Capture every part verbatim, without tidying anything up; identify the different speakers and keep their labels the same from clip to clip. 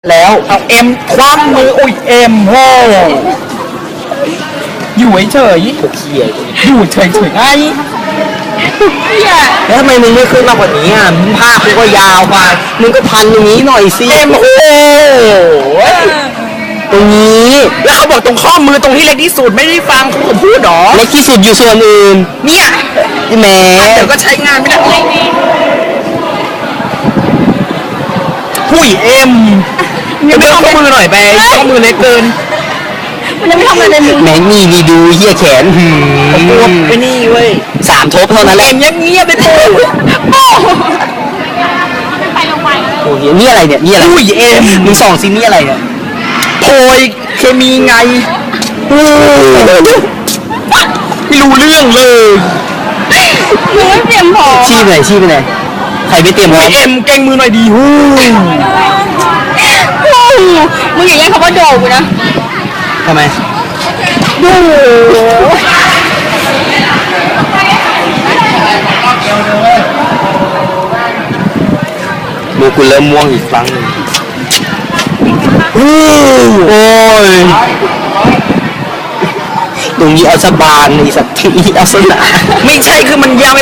Speaker 1: แล้วเอาเอ็มคว้างมืออุ้ยเอ็มโหอยู่เฉยๆเขี่ยอยู่เฉยๆไงแล้วทำไมมึงไม่ขึ้นมากกว่านี้อ่ะมึงภาพมึงก็ยาวไปมึงก็พันอย่างนี้หน่อยสิเอ็มโอ้ตรงนี้แล้วเขาบอกตรงข้อมือตรงที่เล็กที่สุดไม่ได้ฟังเขาพูดหรอเล็กที่สุดอยู่ส่วนอื่นเนี่ยแหมเดี๋ยวก็ใช้งานไม่ได้ผู้ยเอ็มยังไม่ข้อมือหน่อยไปข้อมือเล็กเกิน
Speaker 2: มันยังไม่ทำอะไรเลยมึง
Speaker 1: แมงนี่ดีดูเหี้ยแขนหืมปวดไปนี่เว้ยสามทบเท่านั้นแหละเงียบเงียบไปปูโอ้
Speaker 2: ไปลงไป
Speaker 1: โหนี่อะไรเนี่ยนี่อะไรอุ้ยเอ็มมึงส่องซินี่อะไรเนี่ยโพยเคมีไงไม่รู้เรื่องเลย
Speaker 2: มึงไม่เตรียมพอ
Speaker 1: ชี้ไปไหนชี้ไปไหนใครไม่เตรียมพร้อมเอ็มเก่งมือหน่อยดีฮู้
Speaker 2: มึงอย่างนี้เขาว่าโดดกูนะ
Speaker 1: ทำไม
Speaker 2: ดู
Speaker 1: มือกูเริ่มม่วงอีกครั้งนึงโอ้ยตรงนี้เอาสบานนี่สักทีเอาสนาไม่ใช่คือมันยาวไป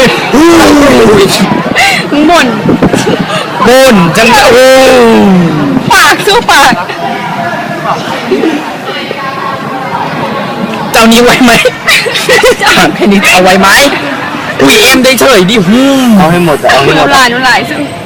Speaker 2: มึงบ่น
Speaker 1: บ่นจังโอ้
Speaker 2: ปากสู้ปาก
Speaker 1: เจ้านี้ไว้ไหมถามแค่นี้เอาไว้ไหมอุ้ยเอ็มได้เฉยดิฮู้เอาให้หมดเอาให้หมด
Speaker 2: นุลายนุลายซึ่ง